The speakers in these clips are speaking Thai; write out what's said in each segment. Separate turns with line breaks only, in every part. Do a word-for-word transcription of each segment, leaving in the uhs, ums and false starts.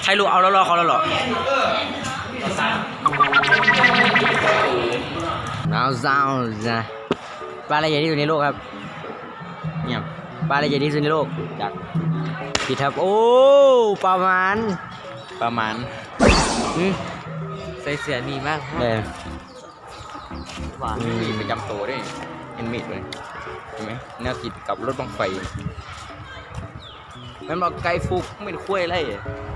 ใครรู้เอาแล้วรอเขาแล้วหรอน้าวซาวนะปลาอะไรใหญ่ที่สุดในโลกครับเนี่ยปลาอะไรใหญ่ที่สุดในโลกจากผิดครับโอ้ประมาณ
ประมาณ
อืม
ใส่เสื้อดีมาก
เลย
หวานมีประจำตัวด้วยเอ็นมิดเลยเห็นไหมแนวติดกับรถบังไฟมันบอกไกลฟุกไม่ได้คุ้ยอะไร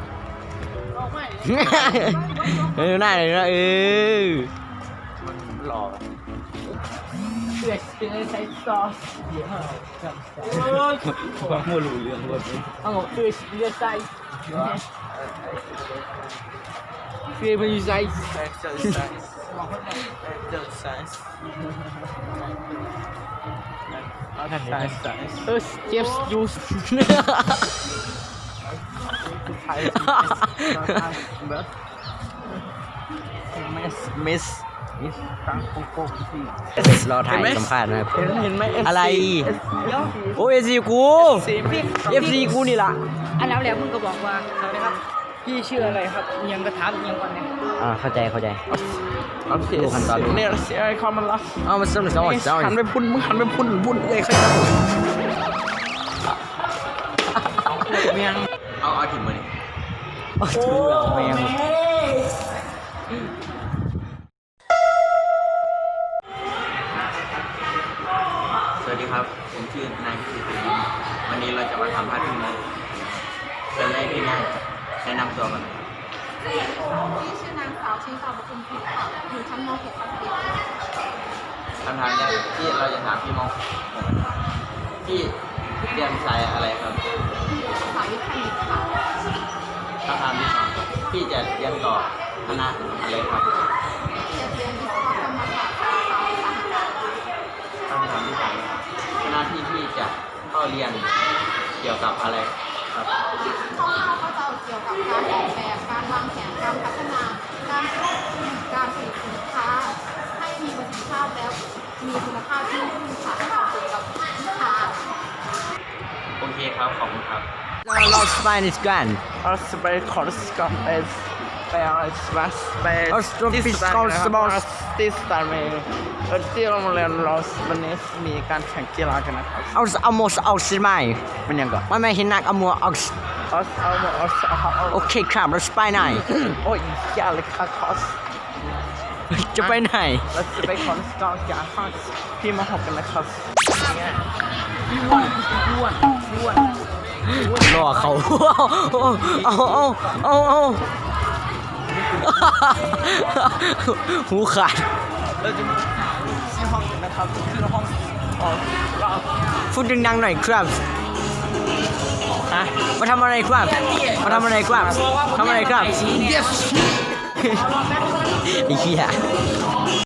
เออหน้าเลยนะเออ
หล่อ
เลือดเลือดใส่ซอสเดี๋ยว
ว่ามั่วรู้เรื่องว่า
เอาเลือดเลือดใส่เลือดมันอยู่ใส่
เดินไซส์เดินไซส์
เออเจ็บยูส
มิสมิส
ตั้งโกโก้สิ
รอถ่ายสัมภาษณ์นะครับ
เห็นไหม
อะไรโอ้เอฟซีกูเอฟซีกูนี่ล่ะ
อันแล้วแล้วมึงก็บอกว่าสวัสดีครับพี่ชื่ออะไรครับยังกระถามยังก่อนเนี่ย
อ่าเข้าใจเข้าใจ
ดูขั้นตอนเนี่ยเสียความมันละ
เอามาซ้ำซ้ำซ้ำ
หันไปพุ่นมึงหันไปพุ่นพุ่นเลยใครจะเมียงเอาเอาถิ่นมาดิ
โอ้ถือแบบเมียง
สวัสดีครับผมชื่อนายพิสิทธิ์วันนี้เราจะมาทำภาพที่นี้เป็นแรกที่ง่ายแนะนำตัวกัน
พี่ชื่อนางสาวชิงสาวบุญพิษค่ะอยู่ชั้นม .หก ครับพี่
คำถามแรกที่เราจะถามพี่มองพี่เรียนสายอะไรครับ
สายวิทย์คณิตค่ะ
คำถามที่สองพี่จะเรียนต่อคณะอะไรครับ
จะเรียนวิศวกรรมศาสตร์สาขาอุตสาหการ
คำถามที่สามคณะที่พี่จะเข้าเรียนเกี่ยวกับอะไรครับ
คร่าวๆก็จะเกี่ยวกับการออกแบบการวางแผนการพัฒนาการการผลิตสินค้าให้มีประสิทธิภาพแล้วมีคุณภาพที่ดีค่ะให้เหมาะสมกับลูกค้า
โอเคครับขอบคุณครับ
เราเราสไปนิสกัน
เราสไปคอร์สกับเอสไปอะไรสไปสไป
ที่สตาร์สปอร์ต
ที่สตาร์เมย์ที่โรงเรียนเราวันนี้มีการแข่งกีฬากันนะครับ
เอาเอาโมสเอาสิไหม
มันยังก่อน
ไม่ไม่เห็นนักเอาโมเอา
เอาเอาเอาเอา
โอเคครับเราจะไปไหน
โอ้ยยากเลยค่ะคอส
จะไปไหน
เราจะไปคอนสตาร์กับคอสพี่มาหกกันนะครับ
อ้วนอ้วนอ้วน
รอเขาเอาเอาเอาเอาหูขาด
เราจะที่ห้องนะครับที่ห้องของเรา
พูดดังๆหน่อยครับฮะมาทำอะไรครับมาทำอะไรครับทำอะไรครับไอ้เหี้ย